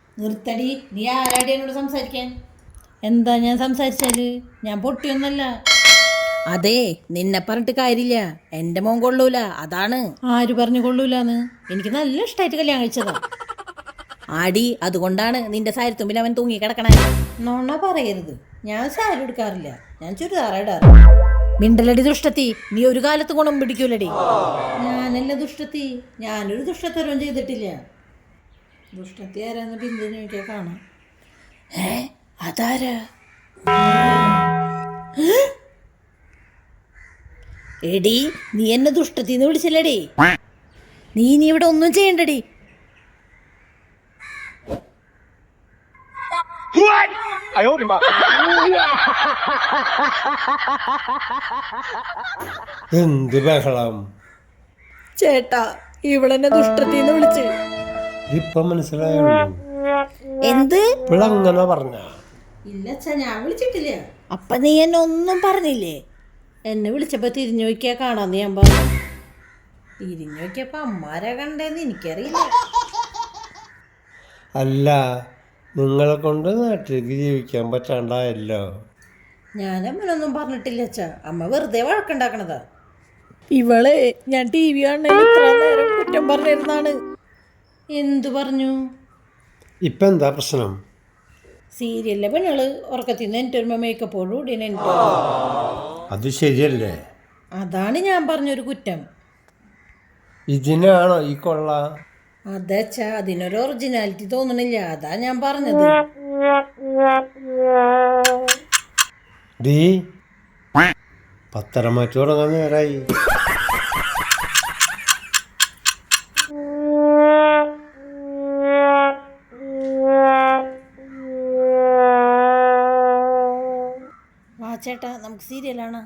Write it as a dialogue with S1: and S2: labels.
S1: നിർത്തടി, നീ ആരാടി എന്നോട് സംസാരിക്കാൻ? എന്താ ഞാൻ സംസാരിച്ചാല്? ഞാൻ പൊട്ടിയൊന്നല്ല. അതെ, നിന്നെ പറഞ്ഞിട്ട് കാര്യമില്ല. എൻ്റെ മോൻ കൊള്ളൂല, അതാണ്. ആര് പറഞ്ഞു കൊള്ളൂലെന്ന്? എനിക്ക് നല്ല ഇഷ്ടമായിട്ട് കല്യാണം കഴിച്ചതാ. ആടി, അതുകൊണ്ടാണ് നിന്റെ സാരിത്തുമ്പിൽ അവൻ തൂങ്ങി കിടക്കണേ. നോണ പറയരുത്, ഞാൻ സാരി എടുക്കാറില്ല, ഞാൻ ചുരിദാർ ഇടാറ്. മിണ്ടലടി ദുഷ്ടത്തി, നീ ഒരു കാലത്ത് ഗുണം പിടിക്കൂലടി. ഞാനല്ല ദുഷ്ടത്തി, ഞാനൊരു ദുഷ്ടത്തരവും ചെയ്തിട്ടില്ല. ദുഷ്ടത്തി ആരാന്ന് ബിന്ദുവിനെ നോക്കിയാൽ കാണാം. അതാരാ? എടി, നീ എന്നെ ദുഷ്ടത്തിന്ന് വിളിച്ചില്ലടി. നീ ഇവിടെ ഒന്നും ചെയ്യണ്ടടി.
S2: എന്ത് ബഹളം
S1: ചേട്ടാ, ഇവളെന്നെ ദുഷ്ടത്തിന്ന് വിളിച്ച്.
S2: ഇപ്പൊ മനസ്സിലായുള്ളൂ.
S1: എന്ത്?
S2: ഇവളങ്ങനെ പറഞ്ഞ?
S1: ഇല്ല, ഞാൻ വിളിച്ചിട്ടില്ല. അപ്പൊ നീ എന്നെ ഒന്നും പറഞ്ഞില്ലേ? എന്നെ വിളിച്ചപ്പോ തിരിഞ്ഞു നോക്കിയാ കാണാന്ന് ഞാൻ പറഞ്ഞു. തിരിഞ്ഞു നോക്കിയപ്പോ അമ്മാരാ കണ്ടേന്ന് എനിക്കറിയില്ല.
S2: അല്ല, നിങ്ങളെ കൊണ്ട് നാട്ടിലേക്ക് ജീവിക്കാൻ പറ്റാണ്ടായല്ലോ.
S1: ഞാൻ അമ്മനൊന്നും പറഞ്ഞിട്ടില്ല അച്ഛാ. അമ്മ വെറുതെ വഴക്കുണ്ടാക്കണതാ. ഇവളെ ഞാൻ ടി വി കാണാൻ ഇത്ര നേരം കുറ്റം പറഞ്ഞിരുന്നാണ്. എന്തു പറഞ്ഞു?
S2: ഇപ്പൊ എന്താ പ്രശ്നം?
S1: സീരിയലിലെ പെണ്ണുകള് ഉറക്കത്തിൽ നിന്ന് എൻ്റെ ഒരു മേക്കപ്പോഴും കൂടി എനിക്ക്.
S2: അത് ശരിയല്ലേ?
S1: അതാണ് ഞാൻ പറഞ്ഞൊരു കുറ്റം.
S2: ഇതിനാണോ ഈ കൊള്ള?
S1: അതച്ചാ, അതിനൊരു ഒറിജിനാലിറ്റി തോന്നണില്ല, അതാ ഞാൻ പറഞ്ഞത്.
S2: ഡീ, പത്തരം മാറ്റി തുടങ്ങാൻ നേരായി.
S1: വാ ചേട്ടാ, നമുക്ക് സീരിയലാണ്.